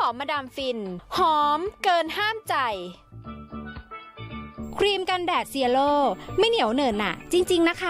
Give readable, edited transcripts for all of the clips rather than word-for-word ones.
หอมมาดามฟินหอมเกินห้ามใจครีมกันแดดเซียโลไม่เหนียวเหนอะหนะจริงๆนะคะ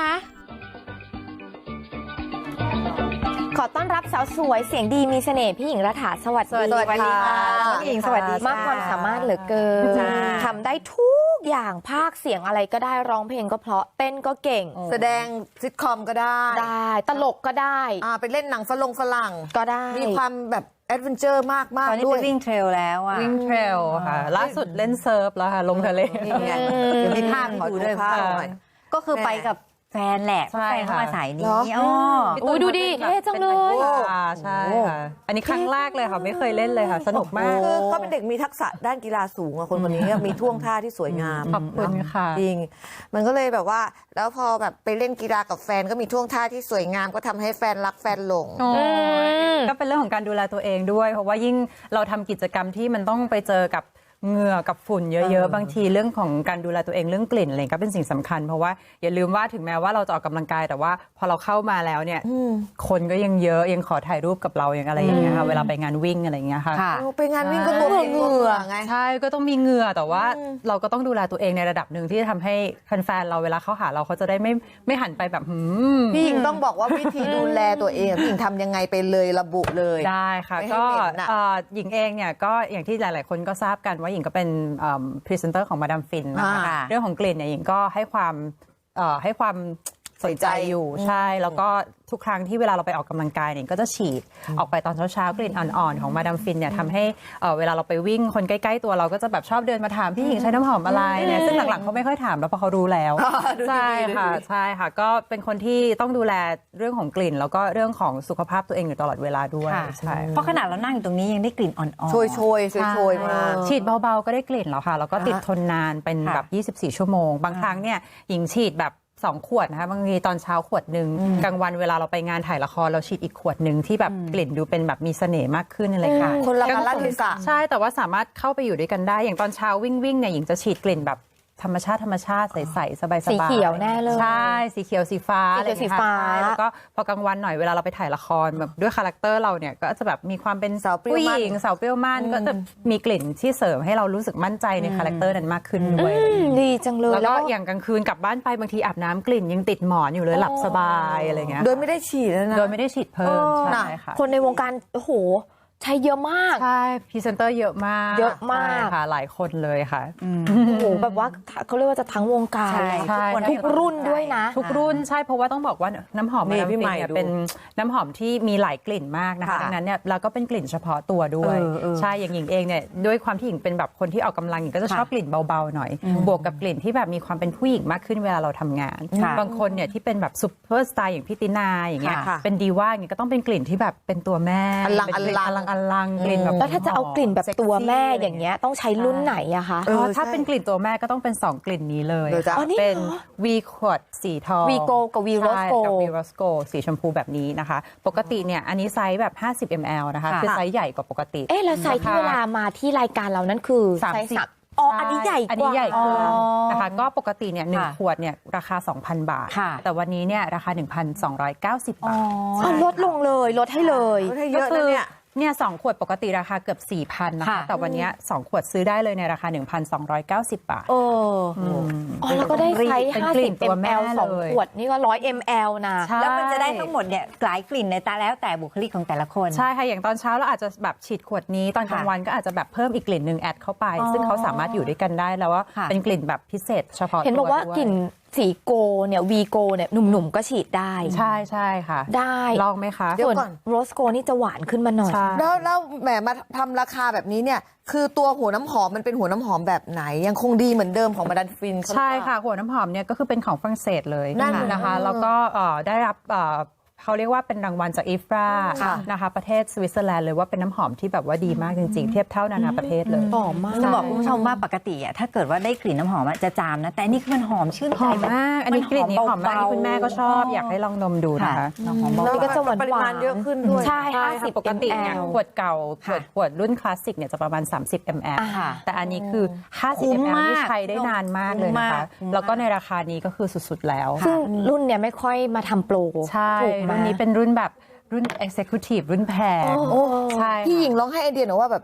ขอต้อนรับสาวสวยเสียงดีมีเสน่ห์พี่หญิงรัฐาสวัสดีสวัสดีค่ะพี่หญิงสวัสดีมากความสามารถเหลือเกินจ้าทำได้ทุกอย่างภาคเสียงอะไรก็ได้ร้องเพลงก็เพราะเต้นก็เก่งแสดงซิทคอมก็ได้ตลกก็ได้ไปเล่นหนังฝรั่งก็ได้มีความแบบแอดเวนเจอร์มากตอนนี้ด้วไปยวิ่งเทรลแล้วอ่ะวิ่งเทรลค่ะ ล่าสุดเล่นเซิร์ฟแล้วค่ะ ลงทะเลนี่ไงเดี๋ยวมีภาพให้ดูด้วยขอดูภาพหน่อยก็คือไปกับแฟนแหละใช่แฟนเข้ามาค่ะสายนี้เหรออ๋ออุ๊ยดูดิเท่จังเลยใช่ค่ะ อันนี้ครั้งแรกเลยค่ะ ไม่เคยเล่นเลยค่ะ สนุกมากคือเขาเป็นเด็กมีทักษะด้านกีฬาสูงอะคนคนนี้มีท่วงท่าที่สวยงามขอบคุณค่ะจริง มันก็เลยแบบว่า แล้วพอแบบไปเล่นกีฬากับแฟนก็มีท่วงท่าที่สวยงามก็ทำให้แฟนรักแฟนหลงโอ้ยก็เป็นเรื่องของการดูแลตัวเองด้วย เพราะว่ายิ่งเราทำกิจกรรมที่มันต้องไปเจอกับเหงื่อกับฝุ่นเยอะๆ บางทีเรื่องของการดูแลตัวเองเรื่องกลิ่นอะไรก็เป็นสิ่งสำคัญ เพราะว่าอย่าลืมว่าถึงแม้ว่าเราจะออกกำลังกายแต่ว่าพอเราเข้ามาแล้วเนี่ยคนก็ยังเยอะยังขอถ่ายรูปกับเราอย่างอะไรอย่างเงี้ยค่ะเวลาไปงานวิ่งอะไรอย่างเงี้ยค่ะค่ะไปงานวิ่งก็ตัวเองเหงื่อไงใช่ก็ต้องมีเหงื่อแต่ว่าเราก็ต้องดูแลตัวเองในระดับหนึ่งที่ทำให้แฟนๆเราเวลาเขาหาเราเขาจะได้ไม่หันไปแบบพี่หญิงต้องบอกว่าวิธีดูแลตัวเองพี่หญิงทำยังไงไปเลยระบุเลยได้ค่ะไม่ให้ก็เหม็นน่ะหญิงเองเนี่ยก็อย่างที่หลายๆคนก็ทราบกันว่าหญิงก็เป็นพรีเซนเตอร์ของมาดามฟินนะคะ เรื่องของกลิ่นเนี่ยหญิงก็ให้ความสนใจอยู่ใช่แล้วก็ทุกครั้งที่เวลาเราไปออกกำลังกายเนี่ยก็จะฉีดออกไปตอนเช้าๆกลิ่นอ่อนๆของมาดามฟินเนี่ยทำให้เวลาเราไปวิ่งคนใกล้ๆตัวเราก็จะแบบชอบเดินมาถามพี่หญิงใช้น้ำหอมอะไรเนี่ยซึ่งหลังๆเขาไม่ค่อยถามแล้วเพราะเขารู้แล้วใช่ค่ะใช่ค่ะก็เป็นคนที่ต้องดูแลเรื่องของกลิ่น แล้วก็เรื่องของสุขภาพตัวเองอยู่ตลอดเวลาด้วยค่ะใช่เพราะขนาดเรานั่งอยู่ตรงนี้ยังได้กลิ่นอ่อนๆโชยมาฉีดเบาๆก็ได้กลิ่นแล้วค่ะแล้วก็ติดทนนานเป็นแบบ 24 ชั่วโมง บางครั้งเนี่ยหญิงฉีดแบบ2 ขวดนะคะบางทีตอนเช้าขวดหนึ่งกลางวันเวลาเราไปงานถ่ายละครเราฉีดอีกขวดหนึ่งที่แบบกลิ่นดูเป็นแบบมีเสน่ห์มากขึ้นอะไรค่ะคนละกาลเทศะใช่แต่ว่าสามารถเข้าไปอยู่ด้วยกันได้อย่างตอนเช้าวิ่งเนี่ยหญิงจะฉีดกลิ่นแบบธรรมชาติใสๆสบายๆสีเขียวแน่เลยใช่สีเขียวสีฟ้าสีเขียวสีฟ้าอะไรอย่งเงี้ยค่ะใช่แล้วก็พอกลางวันหน่อยเวลาเราไปถ่ายละครแบบด้วยคาแรคเตอร์เราเนี่ยก็จะแบบมีความเป็นสาวเปรี้ยวผู้หมั่นญิงสาวเปรี้ยวมั่นก็จะมีกลิ่นที่เสริมให้เรารู้สึกมั่นใจในคาแรคเตอร์นั้นมากขึ้นด้วยดีจังเลยแล้วก็อย่างกลางคืนกลับบ้านไปบางทีอาบน้ำกลิ่นยังติดหมอนอยู่เลยหลับสบายอะไรเงี้ยโดยไม่ได้ฉีดแล้วนะโดยไม่ได้ฉีดเพิ่มใช่ค่ะคนในวงการโอ้โหใช้เยอะมากใช่พรีเซนเตอร์เยอะมากเยอะมากใช่ค่ะหลายคนเลยค่ะโอ้โหแบบว่าเขาเรียกว่าจะทั้งวงการใช่ใช่ทุกรุ่นด้วยนะทุกรุ่นใช่เพราะว่าต้องบอกว่าน้ำหอมนี่มาดามพี่ฟิใหม่นเนี่ยดูเป็นน้ำหอมที่มีหลายกลิ่นมากนะคะค่ะดังนั้นเนี่ยเราก็เป็นกลิ่นเฉพาะตัวด้วยใช่อย่างหญิงเองเนี่ยด้วยความที่หญิงเป็นแบบคนที่ออกกำลังหญิงก็จะชอบกลิ่นเบาๆหน่อย บวกกับกลิ่นที่แบบมีความเป็นผู้หญิงมากขึ้นเวลาเราทำงานค่ะบางคนเนี่ยที่เป็นแบบซุปเปอร์สตาร์อย่างพี่ตินาอย่างเงี้ยค่ะเป็นดีว่าอย่างเงี้ยก็ต้องเป็นกลิ่นที่แบบเป็นตัวแม่อลังเป็นกลิ่นออลัลังงอลังกลิ่นแบบแล้วถ้าจะเอากลิ่นแบบตัวแม่เซ็กซี่อย่างเงี้ยต้องใช้รุ่นไหนอะคะถ้าเป็นกลิ่นตัวแม่ก็ต้องเป็น 2 กลิ่นนี้เลยเดี๋ยวจะค่ะอ๋อนี่เป็นเหรอวีขวดสีทองวีโกกับวีโรสโกใช่กับวีโรสโกสีชมพูแบบนี้นะคะ ปกติเนี่ยอันนี้ไซส์แบบ 50 ml นะคะค่ะคือไซส์ใหญ่กว่าปกติเอ๊ะแล้วไซส์ที่เวลามาที่รายการเรานั้นคือไซส์ 30 สักอ๋ออันนี้ใหญ่กว่าอันนี้ใหญ่ขึ้นอ๋อนะคะก็ปกติเนี่ยหนึ่งค่ะขวดเนี่ยราคา 2,000 บาทค่ะแต่วันนี้เนี่ยราคา 1,290 บาทอ๋อลดลงเลยลดให้เลยลดให้เยอะนะเนี่ยเนี่ย2 ขวดปกติราคาเกือบ 4,000 นะคะค่ะแต่วันเนี้ย2 ขวดซื้อได้เลยในราคา 1,290 บาทเอออ๋อแล้วก็ได้ไซส์เป็นกลิ่น 50 ตัวแม่ ml สองเลยขวดนี่ก็100 ml นะใช่แล้วมันจะได้ทั้งหมดเนี่ยหลายกลิ่นในแต่แล้วแต่บุคลิกของแต่ละคนใช่ค่ะ อย่างตอนเช้าเราอาจจะแบบฉีดขวดนี้ ตอนกลางวันก็อาจจะแบบเพิ่มอีกกลิ่นหนึ่งแอดเข้าไป ซึ่งเขาสามารถอยู่ด้วยกันได้แล้วว่าค่ะเป็นกลิ่นแบบพิเศษเฉพาะเห็นบอกว่าตัวด้วยกลิ่นสีโกเนี่ยวีโกเนี่ยหนุ่มๆก็ฉีดได้ใช่ใช่ค่ะได้ลองไหมคะเดี๋ยวส่วนก่อนโรสโกนี่จะหวานขึ้นมาหน่อยใช่แล้วแหมมาทำราคาแบบนี้เนี่ย คือตัวหัวน้ำหอมมันเป็นหัวน้ำหอมแบบไหน ยังคงดีเหมือนเดิมของมาดามฟินเขาหรือเปล่าใช่ค่ะ หัวน้ำหอมเนี่ยก็คือเป็นของฝรั่งเศสเลยนั่นนะคะ แล้วก็ได้รับเขาเรียกว่าเป็นรางวัลจากอีฟราค่ะนะคะประเทศสวิตเซอร์แลนด์เลยว่าเป็นน้ำหอมที่แบบว่าดีมากจริงๆ เทียบเท่านานาประเทศเลยหอมมากจะบอกคุณผู้ชมว่าปกติอะถ้าเกิดว่าได้กลิ่นน้ำหอมอะจะจามนะ แต่อันนี่คือมันหอมชื่นหใจอมมาก อันนี้กลิ่นนี้หอมมากเบๆคุณแม่ก็ชอบ อยากให้ลองดมดูนะคะหอมเบานี่ก็จะหวานๆปริมาณเยอะขึ้นด้วยใช่ใช่ค่ะ 50 ปกติเนี่ย ml ขวดเก่าค่ะขวดรุ่นคลาสสิกเนี่ยจะประมาณ 30 ml ค่ะแต่อันนี้คือคุ้ 50 ม ml มากที่ใช้ได้นานมากเลยนะคะคุ้มมากแล้วก็ในราคานี้ก็คือสุดๆแล้วซึ่งรุ่นเนี่ยไม่ค่อยมาทำโปรใช่ถูกไหมรุ่นนี้เป็นรุ่นแบบรุ่น Executive รุ่นแพงโอ้ใช่พี่หญิค่ะงลองให้ไอเดียหน่อยว่าแบบ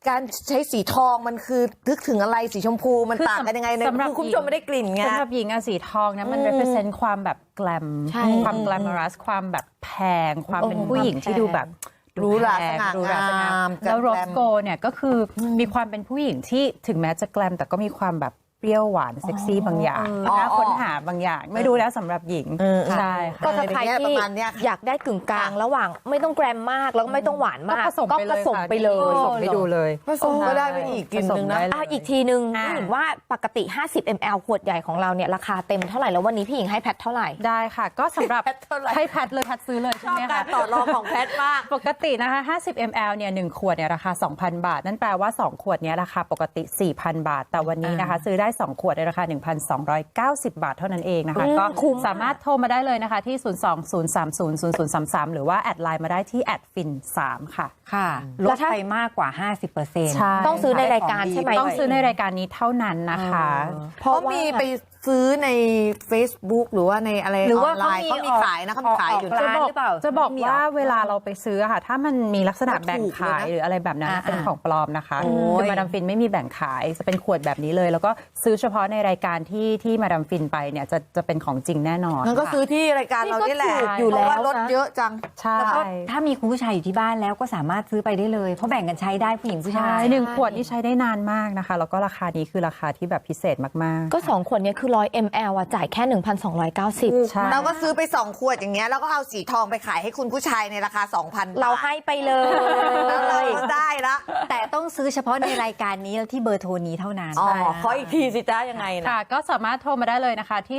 การใช้สีทองมันคือนึกถึงอะไรสีชมพูมันคือต่างกันยังไงเนี่ยสำหรับคือคุณผู้ชมไม่ได้กลิ่นไงสำหรับหญิงอะสีทองนะมัน represent ความแบบแกลมใช่ความแกลมอรัสความแบบแพงความเป็นผู้หญิงที่ดูแบบหรูหราแพงสง่างามหรูหราสง่างามแกรมแล้วโรสโกเนี่ยก็คือมีความเป็นผู้หญิงที่ถึงแม้จะแกลมแต่ก็มีความแบบเปรี้ยวหวานเซ็กซี่บางอย่างน่าค้นหาบางอย่างไม่รู้แล้วสำหรับหญิงใช่ค่ะก็ถ้าใครอะไรอย่างเงี้ยที่ประมาณเนี้ยค่ะอยากได้กึ่งกลางระหว่างไม่ต้องแกรมมากแล้วก็ไม่ต้องหวานมากผสมไปเลยผสมไปเลยผสมไปดูเลยผสมก็ได้เป็นอีกกลิ่นหนึงนะผสมได้เลยอีกทีนึงอ่าพี่หญิงว่าปกติ 50 ml ขวดใหญ่ของเราเนี่ยราคาเต็มเท่าไหร่แล้ววันนี้พี่หญิงให้แพทเท่าไหร่ได้ค่ะ ก็สำหรับแพทเท่าไหร่ให้แพทเลยแพทซื้อเลยใช่ไหมคะต่อรองของแพทมากปกตินะคะ50 ml เนี่ย1ขวดเนี่ยราคา 2,000 บาท นั่นแปลว่า 2 ขวดเนี้ยราคาปกติ 4,000 บาท แต่วันนี้นะคะซื้อได้ 2 ขวดในราคา 1,290 บาทเท่านั้นเองนะคะ ก็คุ้มสามารถโทรมาได้เลยนะคะที่ 020300033 หรือว่าแอดไลน์มาได้ที่ฟิน3ค่ะค่ะลแล้ดวถ้าไปมากกว่า 50% ใช่ต้องซื้อในรายการใช่ไหมต้องซื้อในรายการนี้เท่านั้นนะคะเพราะมีไปซื้อใน Facebook หรือว่าในอะไรหรืออว่าอนไลน์เขามีขายนะเขามีขายอยู่ออกนะร้านหรือเปล่าจะบอกไม่มีหรอว่าเวลาเราไปซื้ออะค่ะ ถ้ามันมีลักษณะแบ่งขายถูกเลยนะหรืออะไรแบบนั้นเป็นของปลอมนะคะโอ้ยคือมาดามฟินไม่มีแบ่งขายจะเป็นขวดแบบนี้เลย แล้วก็ซื้อเฉพาะในรายการที่มาดามฟินไปเนี่ยจะเป็นของจริงแน่นอนงั้นก็ซื้อที่รายการเรานี่แหละนี่ก็ถูกอยู่แล้วเพราะว่าลดเยอะจังใช่แล้วก็ถ้ามีคุณผู้ชายอยู่ที่บ้านแล้วก็สามารถซื้อไปได้เลย เพราะแบ่งกันใช้ได้ผู้หญิงผู้ชาใช่ยหนึ่งขวดนี่ใช้ได้นานมากนะคะ แล้วก็ราคานี้คือราคาที่แบบพิเศษมากๆก็ 2 ขวดเนี้คือ100 ml อ่ะจ่ายแค่ 1,290 ใช่เราก็ซื้อไป2 ขวดอย่างเงี้ยแล้วก็เอาสีทองไปขายให้คุณผู้ชายในราคา 2,000 เราให้ไปเลยแล้วเราก็ได้ละแต่ต้องซื้อเฉพาะในรายการนี้แล้วที่เบอร์โทรนี้เท่านั้นขออีกทีสิจ้ายังไงนะค่ะก็สามารถโทรมาได้เลยนะคะที่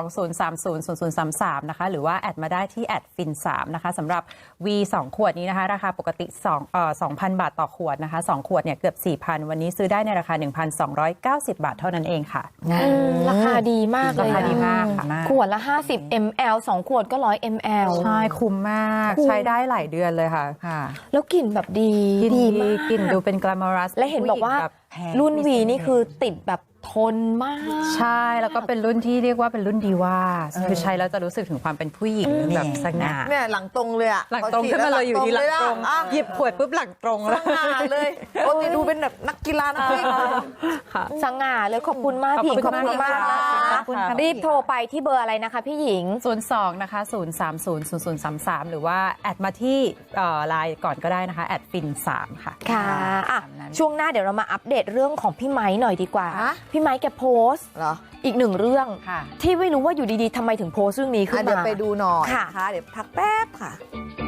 020300033 นะคะหรือว่าแอดมาได้ที่ฟิน3นะคะสำหรับ V 2 ขวดนี้นะคะราคาปกติ2,000 บาทต่อขวดนะคะ2ขวดเนี่ยเกือบ 4,000 วันนี้ซื้อได้ในราคา 1,290 บาทเท่านั้นเองค่ะราคาดีมากเลยราคาดีนะมากค่ะขวดละ 50 ml 2 ขวดก็100 ml ใช่คุ้มมากคุ้มใช้ได้หลายเดือนเลยค่ะค่ะแล้วกลิ่นแบบดีกลินดีดีมากกลินดูเป็น glamorous และเห็นบอกว่าผู้หญิงแบบแพงรุ่นไม่วีเซ็งนี่คือติดแบบทนมากใช่แล้วก็เป็นรุ่นที่เรียกว่าเป็นรุ่นดีว่าคือใช้แล้วจะรู้สึกถึงความเป็นผู้หญิงแบบสง่าเนี่ยหลังตรงเลยอะหลังตรงขึ้นมาเลยอยู่ที่หลังตรงอ่ะหยิบขวดปุ๊บหลังตรงสแล้วง่าเลยโอ้ยดูเป็นแบบนักกีฬานักวิ่งค่ะสง่าเลยขอบคุณมากพี่หญิงขอบคุณมากนะขอบคุณค่ะรีบโทรไปที่เบอร์อะไรนะคะพี่หญิง 02นะคะ0300033 หรือว่าแอดมาที่ไลน์ก่อนก็ได้นะคะฟิน3ค่ะค่ะอ่ะตามนั้นช่วงหน้าเดี๋ยวเรามาอัปเดตเรื่องของพี่ไม้หน่อยดีกว่าฮะพี่ไม้แกโพสต์เหรออีกหนึ่งเรื่องค่ะที่ไม่รู้ว่าอยู่ดีๆทำไมถึงโพสต์เรื่องนี้ขึ้นเดี๋ยวมาไปดูหน่อยค่ะนะคะเดี๋ยวพักแป๊บค่ะ